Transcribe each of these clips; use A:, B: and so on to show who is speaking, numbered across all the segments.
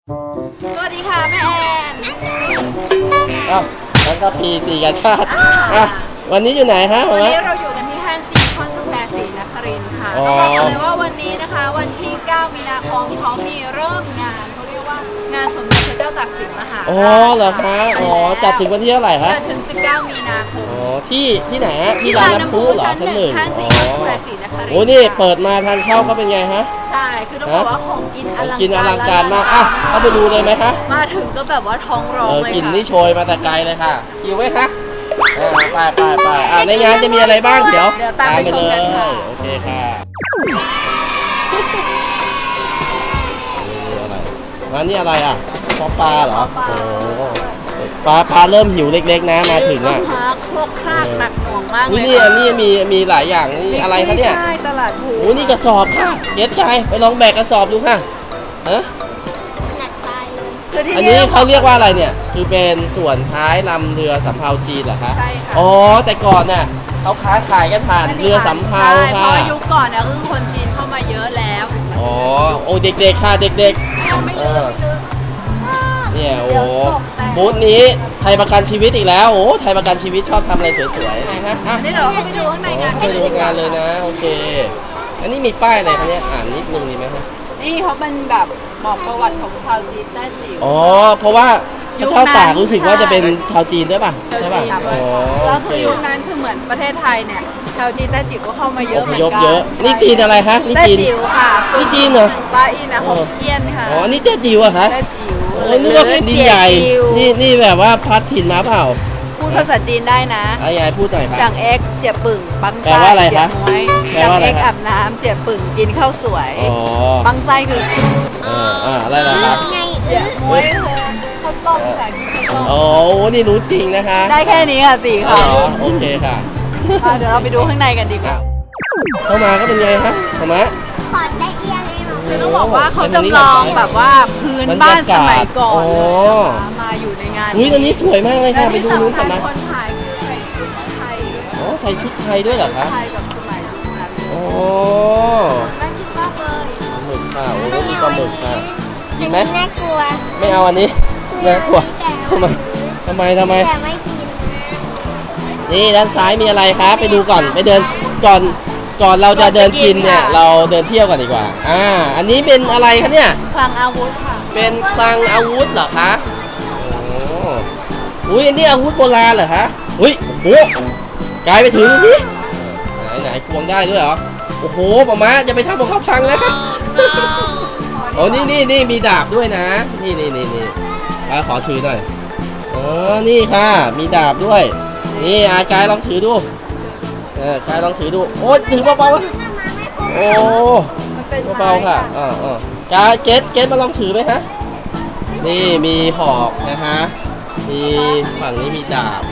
A: สวัสดีค่ะแม่แอน
B: อ้าวแล้วก็ปีสี่กาชาติอ่ะวันนี้อยู่ไหนฮะ
A: วัน
B: วะ
A: นี้เราอยู่กันที่ห้างซีคอนสแควร์ศรีนครินทร์ค่ะต้องบอกเลยว่าวันนี้นะคะวันที่ 9 มีนาคมเขามีเริ่มงานเขาเรียกว่างานสมเด็จพระเจ้าตากสินมหา
B: อ๋อ
A: ราช
B: เหรอคะอ๋อจัดถึงวันที่เท่าไหร่ฮะ
A: จัดถึง 19 มีนาคม
B: อ๋อที่ไหนฮะที่ร้านน้ำพุเหรอชั้นหนึ่ง
A: ห้างซี
B: อ๋อ
A: คอนสแควร์ศรีนครินทร์
B: โอ้นี่เปิดมาทางเข้าก็เป็นไงฮะ
A: ใช่คือต้องบอกว่าของกินอลัง
B: กินอลัง
A: กา
B: การ รมากอ่ะเข้าไปดูเลยไหมคะ
A: มาถึงก็แบบว่าท้องร้องเลย
B: กลิ่น
A: ค่ะ
B: นี่โชยมาแต่ไกลเลยค่ะหิวไหมคะไปในงานจะมีอะไรบ้างเดี๋ยว
A: ตามไปชมกันค่ะ
B: โอเคค่ะร้านนี้อะไรอ่ะปลาเหรอโอ้ปลาเริ่มหิวเล็กๆนะมาถึงอ่ะ
A: โครกครากหนักหน่วงมากเลย
B: นี่อันนี้มีหลายอย่างนี่อะไรคะเนี่ย
A: ใช่ตลาดภู
B: โอ้นี่กระสอบค่ะเก็ตใจไปลองแบกกระสอบดูค่ะฮะ
A: คือที่
B: อันนี้เขาเรียกว่าอะไรเนี่ยคือเป็นส่วนท้ายลำเรือสำเภาจีนเหรอคะ
A: ใช่ค่ะ
B: อ๋อแต่ก่อนน่ะเขาค้าขายกันผ่านเรือสำเภา
A: ใช่เพ
B: ค่ะ
A: ราะว่ายุคก่อนเนี่ยคือคนจีนเข้ามาเยอะแล้ว
B: อ๋อโอ้เด็กๆค่ะเด็ก
A: ไม่
B: ๆ
A: ลืม
B: เนี่ยโอ้บูธนี้ไทยประกันชีวิตอีกแล้วโอ้ไทยประกันชีวิตชอบทำอะไรสวยๆนะฮะอ่ะ
A: นี่เดี๋ยวเราเข้าไปดูข้างในงาน
B: ไปดูงานเลยนะโอเคอันนี้มีป้ายอะไรคะเนี่ยอ่านนิดนึงดีไหมคะ
A: นี่เขาเป็นแบบบอกประวัติของชาวจีนแต้จิ๋ว
B: อ๋อเพราะว่าพระเจ้าตากรู้สึกว่าจะเป็นชาวจีนด้วยป่ะใช่ป่ะอ๋อ
A: แล้ว
B: โอ
A: คื
B: เค
A: อยุคนั้นคือเหมือนประเทศไทยเนี่ยชาวจีนแต้จิ๋วก็เข้ามาเย
B: อ
A: อะเห
B: พ
A: มือน
B: ยพ
A: กัน
B: เยอะนี่จีนอะไรคะนี่
A: แต้
B: จีน
A: จิ๋วค่ะ
B: นี่จีนเหรอ
A: ป้าอินนะฮกเกี้ยนค่ะ
B: อ๋อนี่เจ๊จิ๋วอะคะ
A: แต้จิ๋ว
B: โอ้นึกว่าเป็นดินใหญ่นี่แบบว่าพัดถิ่นมาเปล่า
A: พูดภาษาจีนได้นะ
B: ยายพูดหน่อยค่ะ
A: จังเอ็กเจ็บปึ่งบัง
B: แปล
A: ไส้
B: ว่าอะไร
A: เจ็
B: คะ
A: บม้วย
B: แปล
A: จัง
B: ว่าอะไร
A: เอ็ก
B: คะ
A: อาบน้ำเจ็บปึ่งกินข้าวสวย
B: อ๋อ
A: บังไส้คือ
B: อะไรล่ะคะ
A: เจ็บม้วยคือข้าวต้มค่ะกินข้าวต้ม
B: โอ้นี่รู้จริงนะคะ
A: ได้แค่นี้ค่ะสี่
B: อ๋อ
A: ค่ะ
B: โอเคค่ะ
A: เดี๋ยวเราไปดูข้างในกันดีกว่า
B: เข้ามาก็เป็นไงฮะเข้ามา
C: ขอได้เอียงให้หนู
A: คือต้องบอกว่าเขาจำลองแบบว่าพื้นบ้านสมัยก่อนเลยนะคะมาอยู่ในงาน
B: อุ้ยตอนนี้สวยมากเลยค่ะ
A: และ
B: ไป
A: ที่
B: ดูนู้น
A: สำ
B: กั
A: คั
B: น
A: ญ
B: นะ
A: คนถ่ายคือใส่ชุดไทยด้วย
B: อ๋อใส่ชุดไทยด้วยเหรอคะ
A: ไทยแบบสมัยนั้น
B: โอ้
A: น่ากินมากเลย
B: หมึกค่ะโอ้มีปลาหมึกค่ะกินไหม
C: น่ากลัว
B: ไม่เอาอันนี้น่ากลัวทำไมทำไม
C: แต่ไม่กิน
B: นี่ด้านซ้ายมีอะไรคะไปดูก่อนไปเดินก่อนเราจะเดินกินเนี่ยเราเดินเที่ยวกันดีกว่าอันนี้เป็นอะไรคะเนี่ย
A: คลังอาวุธค่ะ
B: เป็นคลังอาวุธเหรอคะโอ้อุ้ยอันนี้อาวุธโบราณเหรอคะอุ้ยโอ้โหกลายไปถึงสิไหนควงได้ด้วยเหรอโอ้โหป๊าม้าจะไปทำของเขาพังนะโอ้นี่มีดาบด้วยนะนี่ขอถือหน่อยนี่ค่ะมีดาบด้วยนี่กายลองถือดูกายลองถือดูโอ้ยถือเบาๆวะโอ้
A: มันเป็น
B: เบาๆค่ะกายเกตมาลองถือไหมฮะนี่มีหอกนะฮะมีฝั่งนี้มีดาบ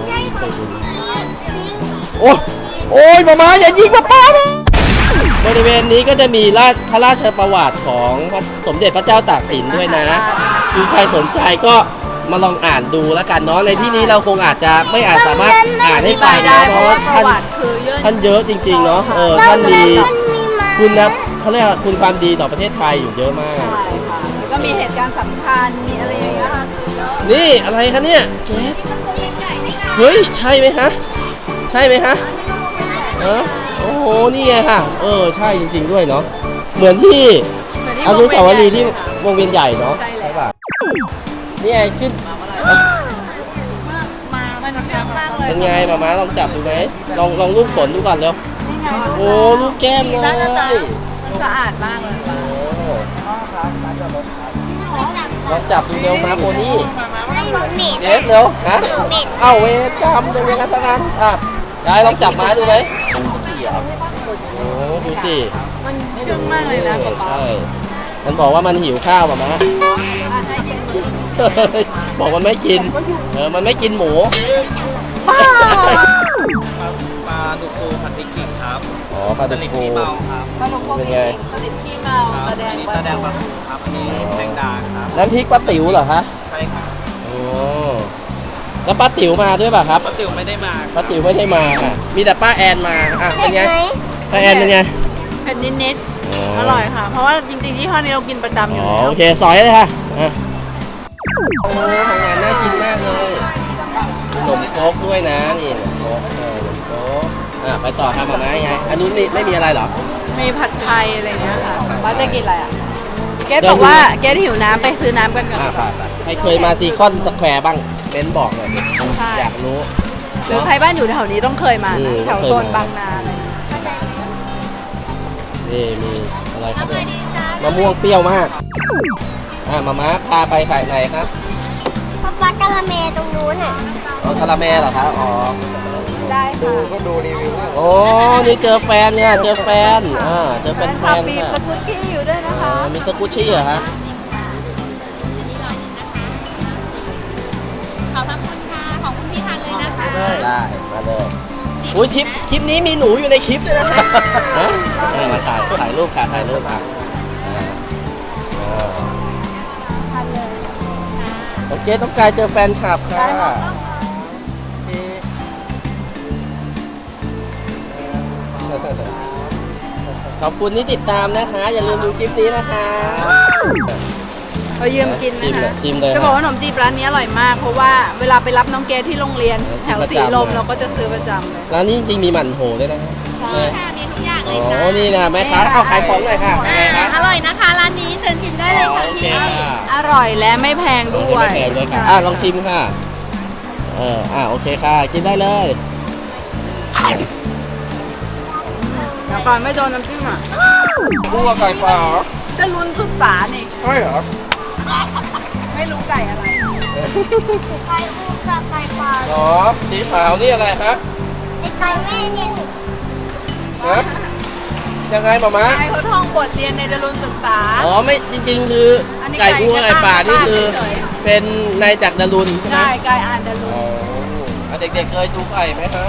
B: โอ้ยมาอย่ายิงป้าบริเวณนี้ก็จะมีพระราชประวัติของสมเด็จพระเจ้าตากสินด้วยนะคือใครสนใจก็มาลองอ่านดูแล้วกันเนาะในที่นี้เราคงอาจจะไม่สามารถอ่านให้ฟัง
A: ได้
B: นะ
A: เพ
B: เพ
A: ราะ
B: ราะ
A: ว่า
B: ว่า
A: ประวัติคือเยอะ
B: ท่านเยอะจริงๆเนาะท่านมีคุณนะเขาเรียกว่าคุณความดีต่อประเทศไทยอยู่เยอะมาก
A: ใช่ค่ะแล้วก็มีเหตุการณ์สำคัญมีอะไรอย่างเงี้ยค่ะ
B: นี่อะไรคะเนี่ยเกสเฮ้ยใช่ไหมคะใช่ไหมคะโอ้โหนี่ไงค่ะใช่จริงๆด้วยเนาะเหมือนที่อนุสาวรีย์ที่วงเวียนใหญ่เนาะใช่ป่ะนี่ไงขึ้น
A: มันเชื่อมากเลย
B: เป็นไงมาลองจับดูไหมลองลูกขนดูก่อนเร็ว
A: นี่ไง
B: โอ้ลูกแก้มเลย
A: มันสะอาดมากเลย
B: ลองจับดูเร็วมาโพนี่
C: ไม่หนูเหม็น
B: เกสเร็วฮะเอ้าเวรจำเป็นยังไงสักอันยายลองจับม้าดูไหมโอ้ดูสิ
A: มันเชื่องมากเลยนะป๊าป๊า
B: ใช่มันบอกว่ามันหิวข้าวมา
A: ให้
B: มา
A: กิน
B: บอกมันไม่กินมันไม่กินหมู
A: ป้า
D: ปลาดุกฟูผัดพริกขิงครับ
B: อ๋อปลา
D: ส
B: ดุก
D: ลิด
B: ฟู
D: ขี้เมาครับ
A: ปลาหมึกพวก
B: เป็น
A: นี้
B: ไง
A: สลิดขี้เมา
D: ครับ
A: ตะแด
D: อั
A: ง
D: นนี้
A: ปลา
D: ตาแดงปลา
A: หมึก
D: ทูครับอันนี้แมงดาครับ
B: น้ำพริกป้าติ๋วเหรอคะ
D: ใช่ครับ
B: โอ้แล้วป้าติ๋วมาด้วยป่ะครับ
D: ป้าติ๋วไม่ได้มา
B: ป้าติ๋วไม่ได้มามีแต่ป้าแอนมาเป็นไงป้าแอนเป็นไง
A: เผ็ดนิดๆอร่อยค่ะ เพราะว่าจริงๆที่ห้อนี้เรากินประจำอยู่
B: อ๋อ
A: แล้ว
B: โอเคสอยเลยค่ะอ่ะโอ้ของหวานน่ากินมากเลยขนมโครกด้วยนะนี่ขนมโครกขนมโครกไปต่อครับมาม่าไงอันนู้นไม่มีอะไรเหรอ
A: มีผัดไทยอะไรเงี้ยค่ะว่าจะกินอะไรอ่ะเกดบอกว่าเกดหิวน้ำไปซื้อน้ำกันก่อน
B: ไปใครเคยมาซีคอนสแควร์บ้างเบนบอกหน่อยดิ
A: ใช่
B: อยากรู้
A: หรือใครบ้านอยู่แถวนี้ต้องเคยมา
B: อื
A: นะ
B: ม
A: แถวโซนบางนาอะไรเงี้ย
B: นี่มีอะไรครับเนี่ยมะม่วงเปรี้ยวมากมาม่าพาไปขายไหนครับ
C: ป๊ากะละเมตรงนู้นอ่ะ
B: อ๋อคาราเมลเหรอครับอ๋อ
A: ได้ค่ะ
D: ก็ดูรีวิวว่า
B: โอ้นี่เจอแฟนเนี่ยเจอแฟนเจอเป็นแฟ
A: ค่ะ
B: น
A: มี
B: ค่ะ
A: สกุชชี่อยู่ด้วยนะคะ
B: มีสกุชชี่เหรอฮะ
E: ขอบพระคุณค่ะ ของคุณพี่ทานเลยนะคะ
B: ได้มาเลยอุ้ยคลิปนี้มีหนูอยู่ในคลิปด้วยนะมาถ่ายรูปค่ะถ่ายรูปค่ะโอเคต้องการเจอแฟนคลับค่ะขอบคุณที่ติดตามนะคะ อย่าลืมดูคลิปนี้นะคะ
A: เรายืมกินนะคะ
B: ชิมเลย
A: จะบอกว่าขนมจีบร้านนี้อร่อยมาก เพราะว่าเวลาไปรับน้องเกดที่โรงเรียนแถวสีลมเราก็จะซื้อประจำเลย
B: ร้านนี้จริงๆมีหมั่นโถด้วยนะ
A: ใช่
E: ค่ะ มีทุกอย่าง
B: อ๋
E: เลยจ้า
B: อนี่นะแม่ค้าเอาขายของหน่อยค่ะยังไงคะ
E: อร่อยนะคะ ร้านนี้เชิญชิมได้เลยค่ะ
B: โอเค
E: พี่
B: ค่ะ
A: อร่อยและไม่แพงด้วย
B: ไม่แพงด้วยค่ะ
A: ใช่
B: ลองชิมค่ะโอเคค่ะ กินได้เลย
A: เดี๋ยวก่อนไม่โดนน้ำจิ้มอ่ะ
B: กุ้งกับไก่ปลาเหรอ
A: จะลุ้นสุดฝานี่
B: ใช่เหรอ
A: ไม่รู้ไก่อะไร
C: ไก่ปูกับไก่ปลา
B: หรอสีขาวนี่อะไรครับ
C: ไอ้ไก่แม่เนี่ย
B: ฮะยังไงหมาม้า
A: ไก่เขาท่องบทเรียนในดารุณศึกษา
B: อ๋อไม่จริงๆ คืออน
A: นี้
B: ไก่กุ้งกับไก่ป่านี่คือ
A: เฉย
B: เป็นนายจากดารุณใช่ไหม
A: ใช่ไก่อ่านดารุณ
B: อ๋อเด็กๆเคยดูไก่ไหมครับ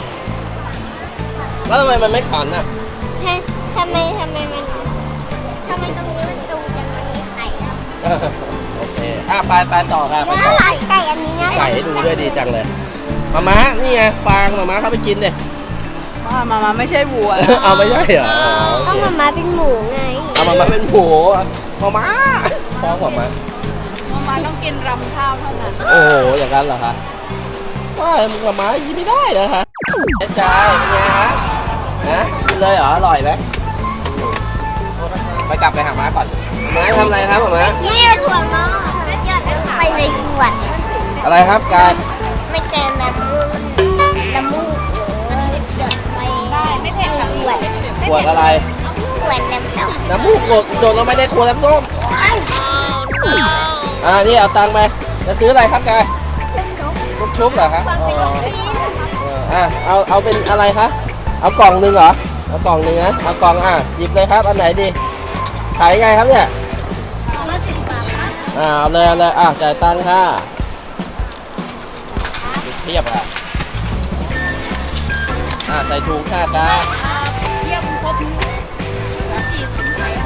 B: แล้วทำไมมันไม่ขันอ่ะ
C: ทำไมตรงนี้มันตูจังมันมีไข่แล้ว
B: โอเคไปต่อค่ะไป
C: เนื้อ
B: ต่อ
C: หลายไก่อันนี้นะ
B: ไก่ให้ดูด้วยดีจังเลยมาม้านี่ไงฟางมาม้าเข้าไปกินเลย
A: มาไม่ใช่วัว
B: เอาไม่ใช่เหรออ๋อโอ
C: ก็
B: เค
C: มาเป็นหมูไง
B: เอามาเป็นหมูมาม้าฟ้องมาม้า
A: มาต้องกินรำข้าวเท่านั้น
B: โอ้โหอย่างนั้นเหรอคะว่ามึงมาม้ายินไม่ได้เหรอคะเจ๊จ่ายเป็นไงฮะนะกินเลยเหรออร่อยไหมไปกลับไปหาม้าก่อนม้าทำอะไรครับม้า
C: นี่ถั่วงอกหยอดลงไปในขวด
B: อะไรครับกาย
C: ไม่เจอน้ำมูกหยอดไปได้ไม่เผ็ดค่ะขวด
B: ขวดอะไร
C: ขวดน้ำส้ม
B: น้ำมูกโดดลงไปในขวดน้ำส้มนี่เอาตังค์ไปจะซื้ออะไรครับกายชุบเหรอครับ
C: ขวด
B: อ๋
C: เป็นลูก
B: อ
C: ชิ้น
B: เอาเป็นอะไรคะเอากล่องหนึ่งเหรอเอากล่องหนึ่งนะเอากล่องหยิบเลยครับอันไหนดีขายยังไงครับเนี่ย
C: มา10 บาทครับ
B: เอาเลยจ่ายตังค่ะเทียบอ่ะใส่ถุงค่ะกา
C: เยี่ยมครบ40ใส่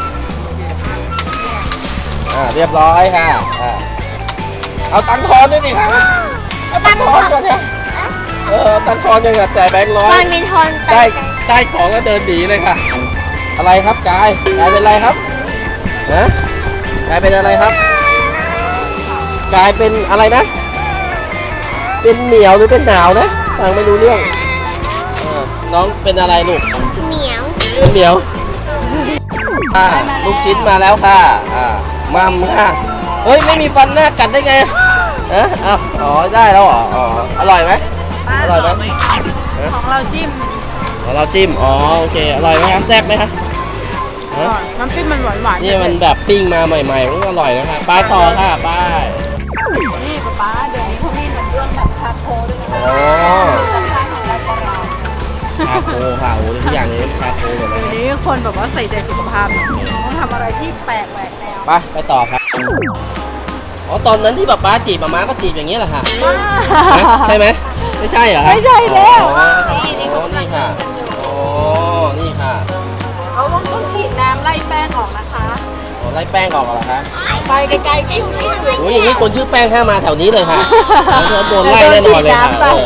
B: เรียบร้อยค่ะเอาตังค์ทอนด้วยดิครับเอาตังค์ทอนก่อนเนี่ยตังค์ทอนยังกับจ่ายแบงค์ร้อ
C: ตอย นมีทอน
B: ได้ของแล้วเดินหนีเลยค่ะ อะไรครับกายเป็นอะไรครับกายเป็นอะไรครับกายเป็นอะไรนะ เป็นเหนียวหรือเป็นหนาวนะฟังไม่รู้เรื่องน้องเป็นอะไรลูก
C: เหนียว
B: เป็นเหนียวลูกชิ้นมาแล้วค่ะมัมค่ะเฮ้ยไม่มีฟันหน้ากัดได้ไงอ๋อได้แล้วเหรออร่อยไหมอร่อยไหม
A: ของเราจิ้ม
B: เราจิ้มโอเคอร่อยไหมครับแซ่บไหมครับ
A: น้ำจิ้มมันหวานๆ
B: นี่มันแบบปิ้งมาใหม่ๆมันก็อร่อยนะครับไปต่อค่ะไป
A: นี่ป๊าเดี๋ยวนี้เขามีขนมเบื้องแบบชาโคด้วยนะคะ
B: อ๋อ
A: สำคัญของเราของเรา
B: ชาโคค่ะโอ้ทุกอย่างนี้ชาโคหมดเลย
A: เดี๋ยว
B: นะ
A: นี้คนแบบว่าใส่ใจสุขภาพต้องทำอะไรที่แปลกแหวกแนว
B: ไปต่อครับตอนนั้นที่ป๊าจีบม้าก็จีบอย่างนี้แหละค่ะใช่ไหมไม่ใช่เหรอครับ
A: ไม่ใช่แล้ว
B: นี่ค่ะนี่ค่ะ
A: เขาต้องฉีดน้ำไล่แป้งออกนะคะ
B: ไล่แป้งออกเหรอคะ
A: ไปไกลๆคิ้ว
B: โอ้ยอย่างนี้คนชื่อแป้งห้ามมาแถวนี้เลยค่ะโดนไล่แน่นอนเลยค่ะ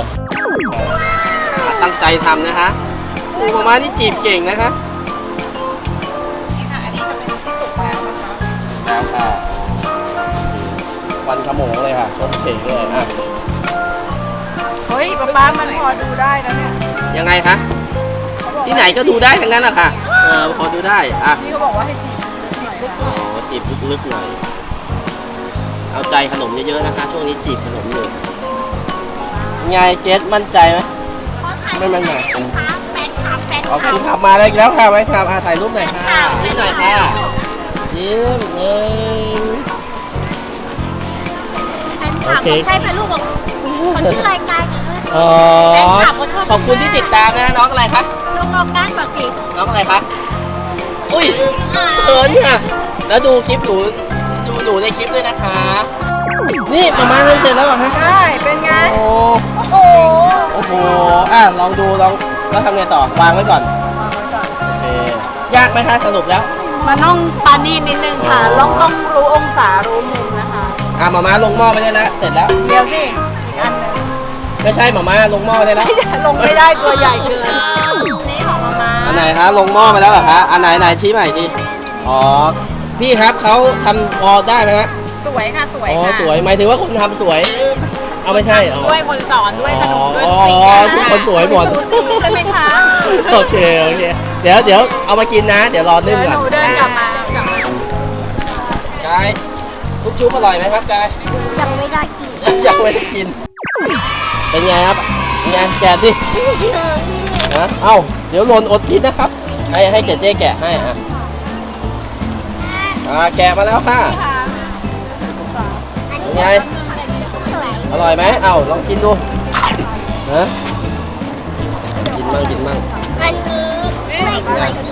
B: ตั้งใจทำนะคะม้าม้านี่จีบเก่งนะคะแล้วค่ะวันขโมงเลยค่ะชมเฉยเลยอ่ะ
A: เฮ้ยป๊ามันพอดูได้นะเนี่ย
B: ยังไงคะที่ไหนก็ดูได้ทั้งนั้นแหละค่ะพอดูได้อ่ะ
A: นี่เขาบอกว่าให้จีบลึก
B: อ๋อจีบลึกๆหน่อยเอาใจขนมเยอะๆนะคะ ช่วงนี้จีบขนมอยู่ไงเจสมั่นใจไหมไม่มั่นใจ
E: แฟนคลับ
B: ขอบคุณขับมาเลยแล้วค่ะไว้ครับถ่ายรูปหน่อยค่ะยิ้มหน่อยค่ะยิ้มโอเค
E: ใช่เป็นลูกของคนที่รายการ
B: อ๋อขอบคุณที่ติดตามนะน้องอะไรคะ
E: ลูกน้องก้านบอกสิ
B: น้องอะไรคะอุ้ยเขินค่ะแล้วดูคลิปหนูดูหนูในคลิปด้วยนะคะ นี่มาทำเสร็จแล้วเหรอคะ
A: ๆใช่เป็นไง
B: โอ้
A: โอ้โห
B: โอ้โหลองดูแล้วทำไงต่อวางไว้ก่อนโอเคยากไหมคะสรุปแล้ว
A: มันต้องปานีตนิดนึงค่ะต้องรู้องศารู้มุมนะคะ
B: มาลงหม้อไปได้แล้วเสร็จแล้ว
A: เดี๋ยวสิอีกอันหนึง
B: ไม่ใช่มาลงหม้อไปได้แล้ว
A: ลงไม่ได้ตัวใหญ่เกินนี่ของมาม่า
B: อันไหนคะลงหม้อไปแล้วเหรอคะอันไหนชี้ใหม่ทีอ๋อพี่ครับเขาทำพอได้ไหมฮะ
C: สวยค่ะสวย
B: อ๋อ
C: ค่ะ
B: สวยหมายถึงว่าคนทำสวย เอาไม่ใช่อ๋อ
C: ด้วยคนสอนด้วยขนมด้วย
B: อ๋อ
C: ทุกสิ่ง
B: ทุกคนสวยหมด
A: ดูสิใช่ไหมคะ
B: โอเคเดี๋ยวเอามากินนะ เดี๋ยวรอนึ่ง
A: เดี๋ยว
B: ก่อน
A: หนูเดินกลับมา
B: กายทุกชุบอร่อยไหมครับกาย
C: ยังไม่ได้กิน
B: ยังไม่ได้กิน เป็นไงครับเป็นไงแกะสินะเอ้าเดี๋ยวหล่นอดกินนะครับให้เจ๊แกะให้แกะมาแล้วค่ะเป็นไงอร่อยไหมเอ้าลองกินดูนะกินมั่ง
C: อันนี้ไม่สวยดี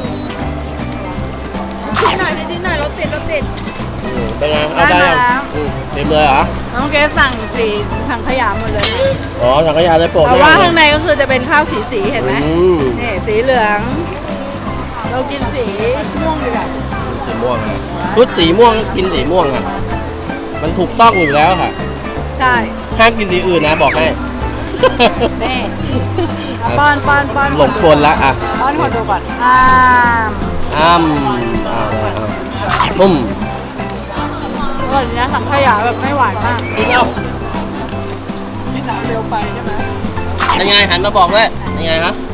A: จิ้มหน่อยจิ้มหน่อยรถติด
B: เป็นไงเอาได้
A: ได้
B: ยัง
A: แล้ว
B: เต็มเลยเหรอ
A: น้องเกสสั่งสีถังขยะหมดเลย
B: อ๋อถังขยะเลยโปะ
A: แต่ว่า
B: เลย
A: ข้างในก็คือจะเป็นข้าวสีเห็นไหม
B: อืม
A: นี่สีเหลือง เรากินสีม่วงดีกว่า
B: สีม่วงอะชุดสีม่วงกินสีม่วงค่ะมันถูกต้องอยู่แล้วค่ะ
A: ใช่
B: ห้ามกินสีอื่นนะบอกให้
A: นี่เอาป้อน
B: หลงกลละอ่ะ
A: ป้อนคนดูก่อน
B: อ้ำเลยปุ้ม
A: อร่อยดีนะสังขยาแบบไม่หวานมาก
B: กินเอา
A: ไม่หนาเร็วไปใช่ไหม
B: เป็นไงหันมาบอกด้วยเป็นไงครับ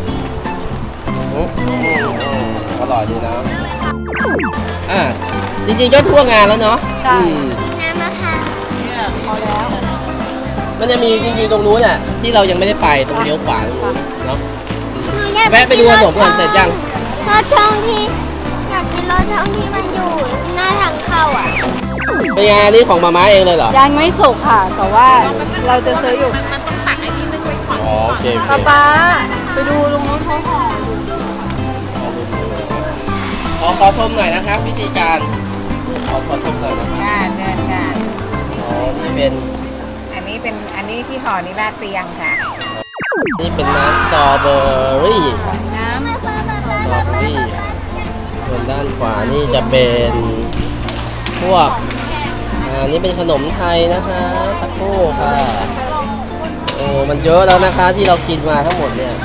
B: อร่อยดีนะจริงๆก็ทั่วงานแล้วเนาะ
A: ใช่
C: กินน้ำมะพร้าว
A: พอแล้ว
B: มันจะมีจริงๆตรงนู้นน่ะที่เรายังไม่ได้ไปตรงเลี้ยวขวาตรงนู้นเนาะ
C: หนูอยาก
B: แวะไปดูขนมก่อนเสร็จยัง
C: รถช่องที่อยากกินรถช่องที่มันอยู่หน้าทางเข้าอ่ะ
B: เป็นไงอันนี้ของมาม่าเองเลยเหรอ
A: ยังไม่สุกค่ะ แต่ว่าเราจะซื้ออยู่
C: มันต้องตักไอ้ที่นึงไว้ก่อน
B: อ๋อโอเค
A: ป๊าไปดูตรงนู้นเขาห่ออยู่
B: ขอชมหน่อยนะครับวิธีการขอชมหน่อยนะครับ
F: ค่ะเชิญค่ะ
B: อ๋อนี่เป็น
F: อันนี้ที่ห่อนี้ราดเตียงค่ะ
B: นี่เป็นน้ำสตรอเบอรี่
F: น้
B: สตรอเบอรี่ส่วนด้านขวานี่จะเป็นพวกนี่เป็นขนมไทยนะคะตะโก้ค่ะโอ้มันเยอะแล้วนะคะที่เรากินมาทั้งหมดเนี่ย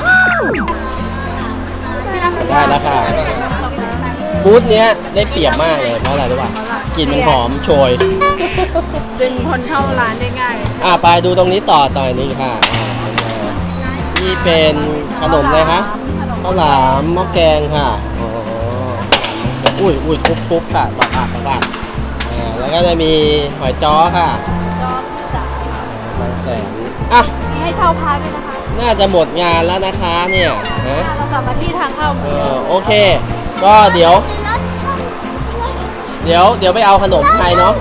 B: ได้แล้วค่ะบูธเนี้ยได้เปรียบมากเลยเพราะอะไรรู้ป่ะกลิ่นมันหอมโชย
A: ดึงคนเข้าร้านได้ง่าย
B: ไปดูตรงนี้ต่อนี่ค่ะนี่เป็นขนมเลยคะข้าวหลามหม้อแกงค่ะอ๋ออุ้ยทุบค่ะปากแล้วก็จะมีหอยจ้อค่ะบางแสน
A: นี่ให้เช่าพาร์ทด้วยนะคะ
B: น่าจะหมดงานแล้วนะคะเนี่ยฮะ
A: เรากลับมาที่ทางเข้า
B: โอเค ก็เดี๋ยวไปเอาขนมไทยเนาะ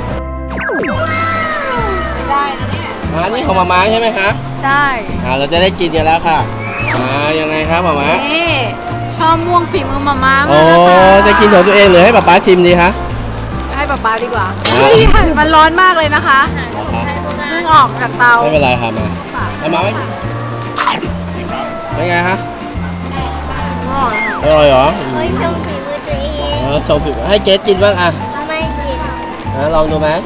A: ได้นะเนี่ย
B: นี่ของมาม่าใช่ไหมคะ
A: ใช่
B: เราจะได้กินกันแล้วค่ะยังไงครับมาม่า
A: นี่ชอบม่วงฝีมือมาม่า
B: โอ้
A: มากนะคะ
B: จะกินของตัวเองหรือให้ป๊าชิมดีคะ
A: ให้ป๊าดีกว่า
B: อ่า
A: เฮ้ยมันร้อนมากเลยนะคะเพิ่งออกจากเตา
B: ไม่เป็นไรค่ะเอามาไว้เป็นไงฮะ
A: อร่อยค่ะ
B: อร่อยเหรอ
C: เฮ้ยชมฝีมือตัวเอง
B: ชมผิดให้เกสกินบ้างอ่ะ
C: ไม่กิน
B: ลองดูไหม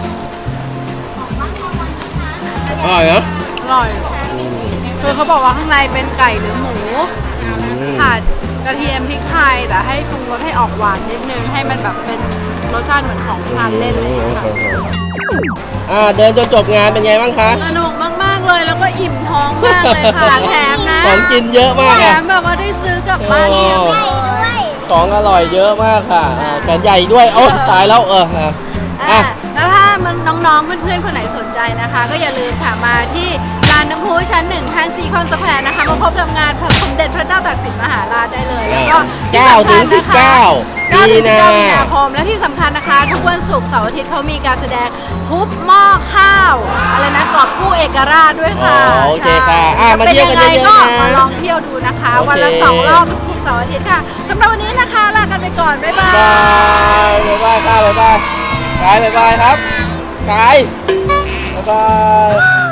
B: อร่อยเหรอ
A: อร่อยคือเขาบอกว่าข้างในเป็นไก่หรือหมูผัดกระเทียมพริกไทยแต่ให้ปรุงรสให้ออกหวานนิดนึงให้มันแบบเป็นรสชาติเหมือนของทานเล่นเลยค่ะ
B: เดินจนจบงานเป็นไงบ้างคะ
A: สนุกมากๆเลยแล้วก็อิ่มท้องมากเลยค่ะแถมนะ
B: ของกินเยอะมาก
A: แถ
B: ค่ะ
A: มแบบว่าได้ซื้อกลับบ้านเยอะเลย
B: ของอร่อยเยอะมากค่ะแขนใหญ่ด้วยโอ้ตายแล้ว
A: แล้วถ้ามันน้องๆเพื่อนๆคนไหนสนใจนะคะ ก็อย่าลืมค่ะมาที่ลานน้ำพุชั้น1ห้างซีคอนสแควร์นะคะมาพบกับงานพระสมเด็จพระเจ้าตากสินมหาราชได้เลยแล้วก็
B: 9 ถึง 19
A: 9 ถึง
B: มี
A: 19 มีนาคมและที่สำคัญนะคะ ทุกวันศุกร์เสาร์อาทิตย์เขามีการแสดงทุบหม้อข้าวอะไรนะกอบกู้เอกราชด้วยค่ะ
B: โอเคค่ะมา
A: เป็น
B: เที่ยว
A: ยั
B: กัน
A: งไง
B: เยอะ
A: ก็
B: ๆ
A: มา
B: นะ
A: ลองเที่ยวดูนะคะ
B: โอเค
A: วันละ2 รอบทุกศุกร์เสาร์อาทิตย์ค่ะสำหรับวันนี้นะคะลากันไปก่อนบ๊ายบาย
B: บ๊ายบายค่ะบ๊ายบายกายบ๊ายบายครับกายบ๊ายบาย